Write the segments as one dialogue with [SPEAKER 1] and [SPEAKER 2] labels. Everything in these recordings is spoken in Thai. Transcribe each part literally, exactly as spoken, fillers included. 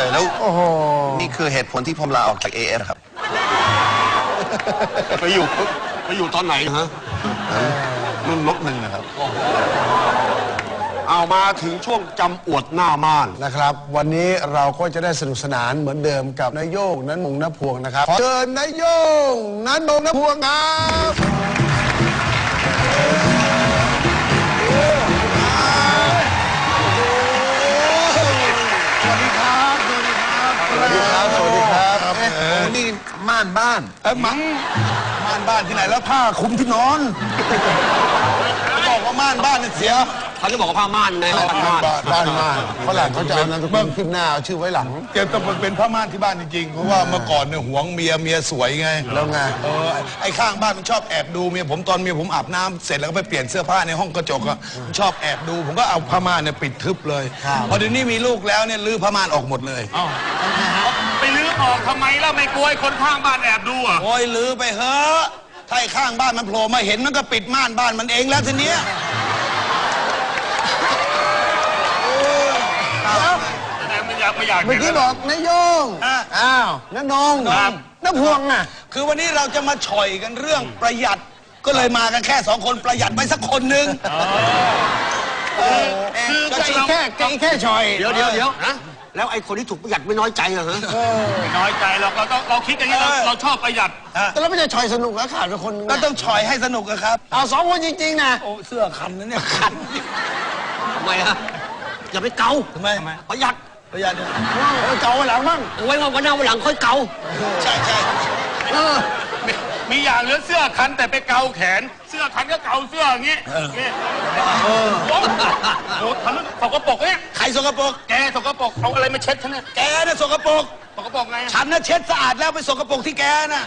[SPEAKER 1] แล้วนี่คือเหตุผลที่ผมลาออกจาก เอ เอส ครับ
[SPEAKER 2] ไปอยู่ไปอยู่ตอนไหนฮะรุ่นลบหนึ่งนะครับเอามาถึงช่วงจำอวดหน้าม่าน
[SPEAKER 3] นะครับวันนี้เราก็จะได้สนุกสนานเหมือนเดิมกับนายโยงนั้นมงนพวงนะครับขอเชิญนายโยงนั้นมงนพวงครับสวัสดีครับสวัสดีครับสวัสดีครับสวัสดีครับ
[SPEAKER 1] โอ้นี่ม่านบ้าน
[SPEAKER 3] เอ้มังม่านบ้านที่ไหนแล้วผ้าคลุมที่นอนบอกว่าม่านบ้านเนี่ยเสีย
[SPEAKER 2] เขาจะบอกว่าผ้าม่านไง
[SPEAKER 3] บ้านม่านบ้านม่านฝรั่งเขาจะเอานามสกุลขึ้นหน้าเอาชื่อไว้หลัง
[SPEAKER 4] แกต้องเป็นผ้าม่านที่บ้านจริงๆเพราะว่าเมื่อก่อนเนี่ยหวงเมียเมียสวยไง
[SPEAKER 3] แล้วไง
[SPEAKER 4] เออไอ้ข้างบ้านมันชอบแอบดูเมียผมตอนเมียผมอาบน้ำเสร็จแล้วก็ไปเปลี่ยนเสื้อผ้าในห้องกระจกอะชอบแอบดูผมก็เอาผ้าม่านเนี่ยปิดทึบเลยพอเดี๋ยวนี้มีลูกแล้วเนี่ยลื้อผ้าม่านออกหมดเลย
[SPEAKER 5] ไปลื้อออกทำไมแล้วไม่กลัวคนข้างบ้านแอบดูอ่ะ
[SPEAKER 4] โอ้ยลื้อไปเฮ้อถ้าข้างบ้านมันโผล่มาเห็นมันก็ปิดม่านบ้านมันเองแล้วทีเนี้ย
[SPEAKER 5] ไม่อยากไม่อยาก
[SPEAKER 3] เมื่อกี้บอกนายโยงอ้าวน้านงน้าพวงอ่ะ
[SPEAKER 4] คือวันนี้เราจะมาฉ่อยกันเรื่องประหยัดก็เลยมากันแค่สองคนประหยัดไปสักคนหนึ่ง
[SPEAKER 3] คือแค่แค่แค่ฉ่อย
[SPEAKER 2] เดี๋ยวเดี๋ยวเดี๋ยวแล้วไอ้คนที่ถูกประหยัดไม่น้อยใจเหรอฮะ
[SPEAKER 5] ไม่น้อยใจเราเราต้องเราคิดอย่างนี้เราเราชอบประหยัด
[SPEAKER 3] แต่เราไม่ใช่ฉ่อยสนุกแล้วขาดไปคนนึง
[SPEAKER 4] ก็ต้องฉ่อยให้สนุกครับ
[SPEAKER 3] เอาสองคนจริงๆนะ
[SPEAKER 4] โอ้เสื้อคันนะเนี่ยคัน
[SPEAKER 2] ทำไมฮะอย่าไปเกา
[SPEAKER 4] ทำไม
[SPEAKER 2] ประหยัด
[SPEAKER 4] ประหยัด
[SPEAKER 3] เกาไว้หลังบ้าง
[SPEAKER 2] ไว้วันหน้าวันหลังค่อยเกา
[SPEAKER 4] ใช่ใช่
[SPEAKER 5] มีอย่างเหลือเสื้อคันแต่ไปเกาแขนเสื้อคันก็เกาเสื้ออย่างนี้นี่โอ้ทำนั้นสกปรกเนี่ย
[SPEAKER 4] ใครสกปรก
[SPEAKER 5] แกสกปรกเอาอะไรมาเช็ดฉันเนี่ย
[SPEAKER 4] แกน่ะสกปรก
[SPEAKER 5] สกปรกไง
[SPEAKER 4] ฉันน่ะเช็ดสะอาดแล้วไปสกปรกที่แกน่ะ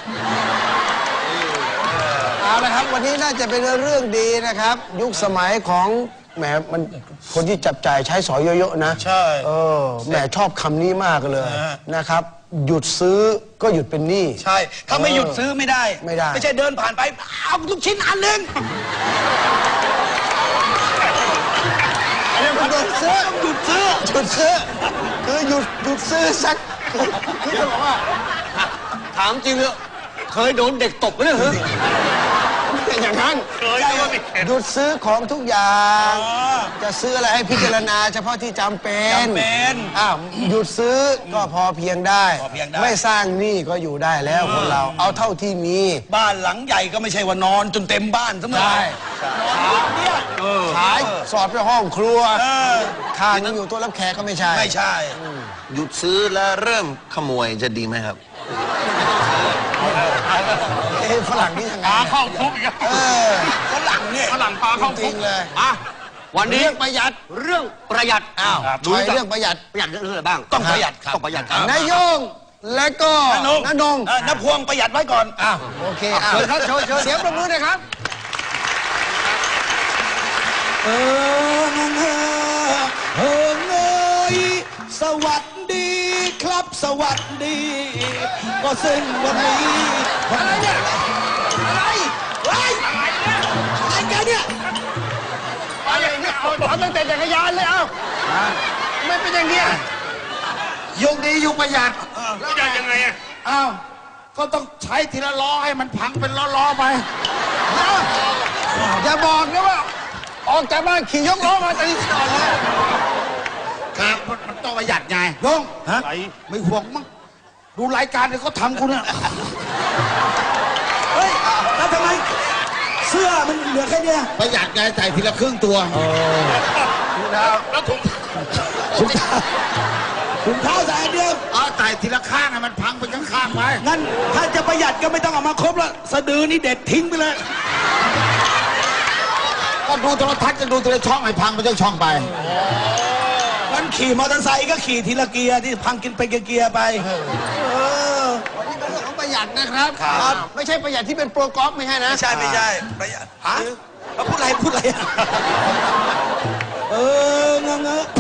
[SPEAKER 3] เอาละครับวันนี้น่าจะเป็นเรื่องดีนะครับยุคสมัยของแหมมันคนที่จับจ่ายใช้สอยเยอะๆนะ
[SPEAKER 4] ใช่
[SPEAKER 3] เออแหมชอบคำนี้มากเลยนะครับหยุดซื้อก็หยุดเป็นหนี้
[SPEAKER 4] ใช่ถ้าไม่หยุดซื้อไม่ได้
[SPEAKER 3] ไม่ได้
[SPEAKER 4] ไม่ใช่เดินผ่านไปเอาลูกชิ้นอันหนึ่ง
[SPEAKER 3] หยุดซื้อหยุดซื้อหยุดซื้อคือหยุดหยุดซื้อสักคือจะบอกว่า
[SPEAKER 2] ถามจริงเลยเคยโดนเด็กตบไหมเนี่ยเหรอ
[SPEAKER 3] อย่างนั้นหยุดซื้อของทุกอย่างจะซื้ออะไรให้พิจารณาเฉพาะที่จำเป็น
[SPEAKER 4] จำเป็น
[SPEAKER 3] อ้าวหยุดซื้อก็พอเพียงได้ไม่สร้างหนี้ก็อยู่ได้แล้วคนเราเอาเท่าที่มี
[SPEAKER 4] บ้านหลังใหญ่ก็ไม่ใช่ว่านอนจนเต็มบ้านเสมอ
[SPEAKER 3] ขายเนี่ยขายสอดไปห้องครัวทานอยู่ตัวรับแขกก็ไม่ใช่
[SPEAKER 4] ไม่ใช่
[SPEAKER 1] หยุดซื้อแล้วเริ่มขโมยจะดีไหมครับ
[SPEAKER 3] เอ้ฝรั่งนี่ยังไง
[SPEAKER 5] พาเข้าคุกอีก
[SPEAKER 4] ฝรั่งเนี่ย
[SPEAKER 5] ฝรั่งพาเข้าคุก
[SPEAKER 3] เลย
[SPEAKER 2] อ่ะวันนี้
[SPEAKER 3] เรื่องประหยัด
[SPEAKER 2] เรื่องประหยัด
[SPEAKER 3] อ้าวดูเรื่องประหยัด
[SPEAKER 2] ประหยัดเรื่องอะไรบ้าง
[SPEAKER 4] ต้องประหยัดครับ
[SPEAKER 2] ต้องประหยัดครับ
[SPEAKER 3] นายโยงและก็น้านง
[SPEAKER 4] น้าพวงประหยัดไว้ก่อน
[SPEAKER 3] อ้าวโอเคเชิญครับเชิญเสียงประมือหน่อยครับ
[SPEAKER 4] เออเออเออเงยสวัสดีครับสวัสดีก็ซึ่งวันนี้
[SPEAKER 3] อะไรเนี่ยอะไร
[SPEAKER 4] อะไรอะไรกันเนี่ย
[SPEAKER 3] เอาอย่างนี้เอาเอาตั้งแต่จักรยานเลยเอาไม่เป็นอย่างเงี้ยยุคนี้ยุคประหยัด
[SPEAKER 5] ประหยัดยังไงอ่ะ
[SPEAKER 3] อ้าวก็ต้องใช้ทีละล้อให้มันพังเป็นล้อๆไปอย่าบอกนะว่าออกจากบ้านขี่ยกล้อมาตีก่อนเลย
[SPEAKER 4] ครับมันต้องประหยัดไง
[SPEAKER 3] ยงฮะไม่ห่วงมั้งดูรายการที่เขาทำกูเนี่ย
[SPEAKER 4] เฮ้ยแล้วทำไมเสื้อมันเหลือแค่เนี้ย
[SPEAKER 3] ประหยัดไงใส่ทีละครึ่งตัว
[SPEAKER 5] แล้วถุง
[SPEAKER 4] ถุงเท้าถุงเท้าใส่อันเดียว
[SPEAKER 3] เอาใส่ทีละข้างให้มันพังไปข้างๆไป
[SPEAKER 4] งั้นถ้าจะประหยัดก็ไม่ต้องเอามาครบแล้วสะดือนี่เด็ดทิ้งไปเลย
[SPEAKER 3] ก็ดูโทรทัศน์จะดูทีละช่องให้พังไปทั้งช่องไป
[SPEAKER 4] งั้นขี่มอเตอร์ไซค์ก็ขี่ทีละเกียร์ที่พังกินไปเกียร์ไป
[SPEAKER 3] วันนี้เป็นเรื่องของประหยัดนะครับครับไม่ใช่ประหยัดที่เป็นโปรกอล์ฟไม่ใช่นะ
[SPEAKER 4] ไม่ใช่ไม่ใช่ประหยัดฮะเขาพูดอะไรพูดอะไรเออเงอะเงอะ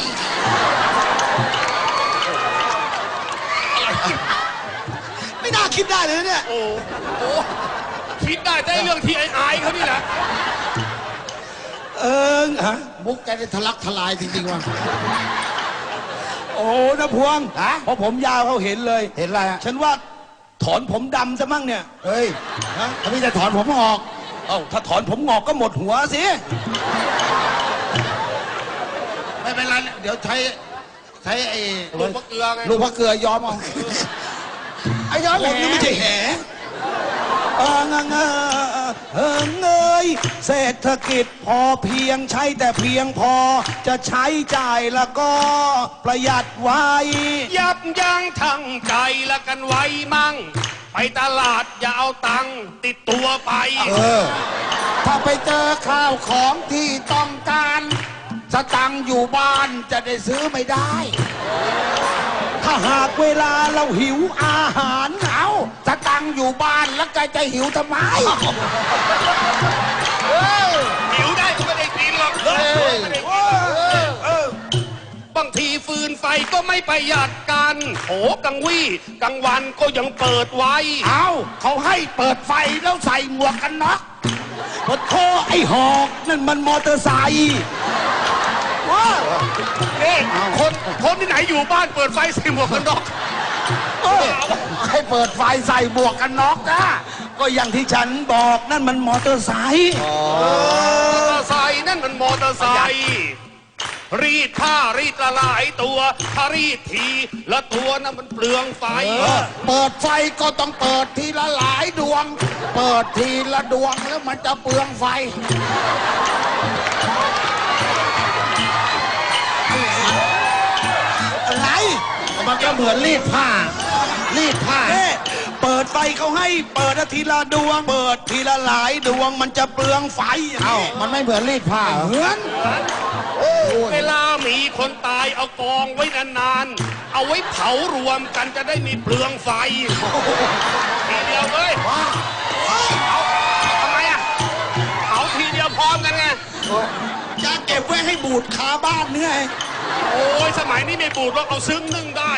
[SPEAKER 4] ไม่น่าคิดได้เลยเนี่ย
[SPEAKER 5] โอ้โหคิดได้แต่เรื่องที่ไอ้อายเขานี่แหละ
[SPEAKER 3] เออฮะมุกแกนี่ทะลักทลายจริงๆว่ะ
[SPEAKER 4] โอ้นะพวง
[SPEAKER 6] ฮะ
[SPEAKER 4] เพราะผมยาวเขาเห็นเลย
[SPEAKER 6] เห็นอะไรฮะ
[SPEAKER 4] ฉันว่าถอนผมดำซะมั่งเนี่ย
[SPEAKER 6] เฮ้ยถ้าพี่จะถอนผมออก
[SPEAKER 4] เอ้าถ้าถอนผมงอกก็หมดหัวสิ
[SPEAKER 6] ไม่เป็นไรเดี๋ยวใช้ใช้ไอ้
[SPEAKER 5] ลูกมะเกลือไง
[SPEAKER 6] ลูกพระเกลือย้อมเอาไอ้ย้อม
[SPEAKER 4] ผมนี่ไม่ใช่แหเออเงเงเออเงยเศรษฐกิจพอเพียงใช้แต่เพียงพอ จะใช้จ่ายแล้วก็ประหยัดไว้
[SPEAKER 5] ยับยั้งทั้งใจละกันไว้มั่ง ไปตลาดอย่าเอาตังค์ติดตัวไป
[SPEAKER 6] ถ้าไปเจอข้าวของที่ต้องการสตังค์อยู่บ้านจะได้ซื้อไม่ได้
[SPEAKER 4] ถ้าหากเวลาเราหิวอาหาร
[SPEAKER 6] เอาสตังค์อยู่บ้านแล้วแกจะหิวทำไม
[SPEAKER 5] หิวได้ก็ไม่ได้กินหรอกไม่ได้กินบางทีฟืนไฟก็ไม่ประหยัดกันโหกังวี่กลางวันก็ยังเปิดไว้
[SPEAKER 6] เอาเขาให้เปิดไฟแล้วใส่หมวกกันน็อก
[SPEAKER 4] พดโทไอ้หอกนั่นมันมอเตอร์ไซค์
[SPEAKER 5] นี่คนคนที่ไหนอยู่บ้านเปิดไฟใส่หมวกกันน็อก
[SPEAKER 6] ให้เปิดไฟใส่หมวกกันน็อกนะ
[SPEAKER 4] ก็อย่างที่ฉันบอกนั่นมันมอเตอร์ไซค์
[SPEAKER 5] มอเตอร์ไซค์นั่นมันมอเตอร์ไซค์รีดผ้ารีดละหลายตัวถ้ารีดทีละตัวนั้นมันเปลืองไฟ
[SPEAKER 6] เปิดไฟก็ต้องเปิดทีละหลายดวง เปิดทีละดวงแล้วมันจะเปลืองไฟ
[SPEAKER 4] อะไร
[SPEAKER 6] มันก็เหมือนรีดผ้า รีดผ้า
[SPEAKER 4] เอ๊ะเปิดไฟเขาให้เปิดทีละดวง เปิดทีละหลายดวงมันจะเปลืองไฟอย่าง
[SPEAKER 6] เอ้า
[SPEAKER 4] นี้
[SPEAKER 6] มันไม่เหมือนรีดผ้าเหรอ
[SPEAKER 4] เหมือน
[SPEAKER 5] เวลามีคนตายเอากองไว้นานๆ เอาไว้เผารวมกันจะได้มีเปลืองไฟทีเดียวเลยเอาทำไมอ่ะเผาทีเดียวพร้อมกันไง
[SPEAKER 4] จะเก็บไว้ให้บูดคาบ้านเนื้อ
[SPEAKER 5] โอ้ยสมัยนี้ไม่บูดหรอกเอาซึ้งนึ่งได้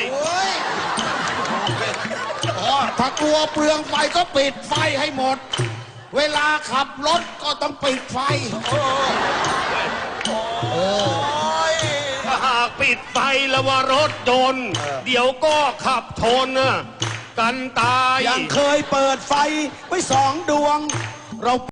[SPEAKER 6] ถ้ากลัวเปลืองไฟก็ปิดไฟให้หมด เวลาขับรถก็ต้องปิดไฟ
[SPEAKER 5] ถ้าหากปิดไฟแล้วว่ารถยนต์เดี๋ยวก็ขับชนน่ะกันตาย
[SPEAKER 4] ยังเคยเปิดไฟไว้สองดวงเรา